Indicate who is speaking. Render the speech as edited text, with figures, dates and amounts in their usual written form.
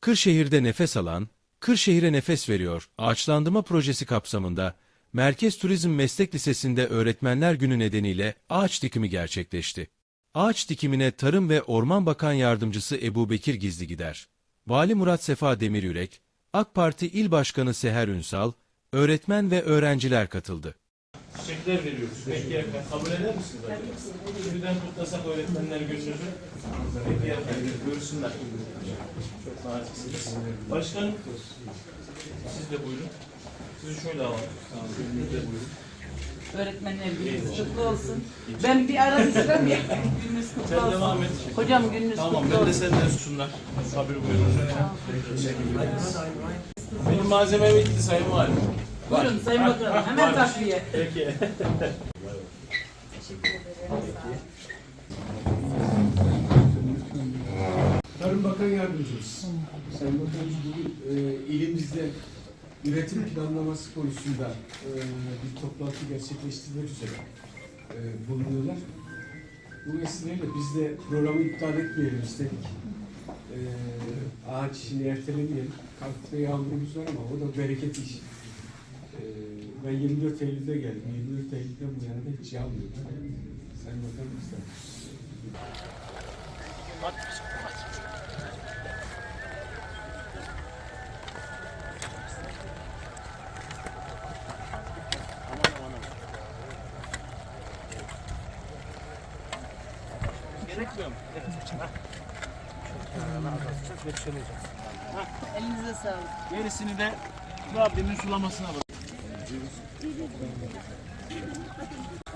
Speaker 1: Kırşehir'de nefes alan, Kırşehir'e nefes veriyor ağaçlandırma projesi kapsamında Merkez Turizm Meslek Lisesi'nde Öğretmenler Günü nedeniyle ağaç dikimi gerçekleşti. Ağaç dikimine Tarım ve Orman Bakan Yardımcısı Ebubekir Gizligider, Vali Murat Sefa Demiryürek, AK Parti İl Başkanı Seher Ünsal, öğretmen ve öğrenciler katıldı.
Speaker 2: Çiçekler veriyoruz. Peki efendim, kabul eder misiniz acaba? Şimdiden kutlasak öğretmenler gününüzü. Peki efendim, görsünler. Çok naziksiniz. Başkanım, siz de buyurun. Sizi şöyle alalım. Siz de buyurun.
Speaker 3: Öğretmenler gününüz kutlu olsun. Ben bir ara istem ya. Gününüz kutlu
Speaker 2: Sen
Speaker 3: olsun.
Speaker 2: devam et.
Speaker 3: Hocam gününüz
Speaker 2: Tamam,
Speaker 3: kutlu
Speaker 2: ben de
Speaker 3: olsun.
Speaker 2: senden sunlar. Kabul buyurun. Benim malzemem bitti Sayın Valim.
Speaker 3: Buyurun Sayın Bakanım. Hemen takviye.
Speaker 2: Peki.
Speaker 4: Tarım Bakan Yardımcımız. Sayın Bakanımız bugün ilimizde üretim planlaması konusunda bir toplantı gerçekleştirmek üzere bulunuyorlar. Bu vesileyle biz de programı iptal etmeyelim istedik. Ağaç işini ertelemeyelim. Kalkıp yağmurumuz var ama o da bereket iş. Ben 24 Eylül'de geldim. 24 Eylül'den bu yana da hiç yağmıyor. Sayın Bakanımız da.
Speaker 2: Gerekmiyor mu?
Speaker 3: Elinize sağlık.
Speaker 2: Gerisini de Rabbimin sulamasına bırak.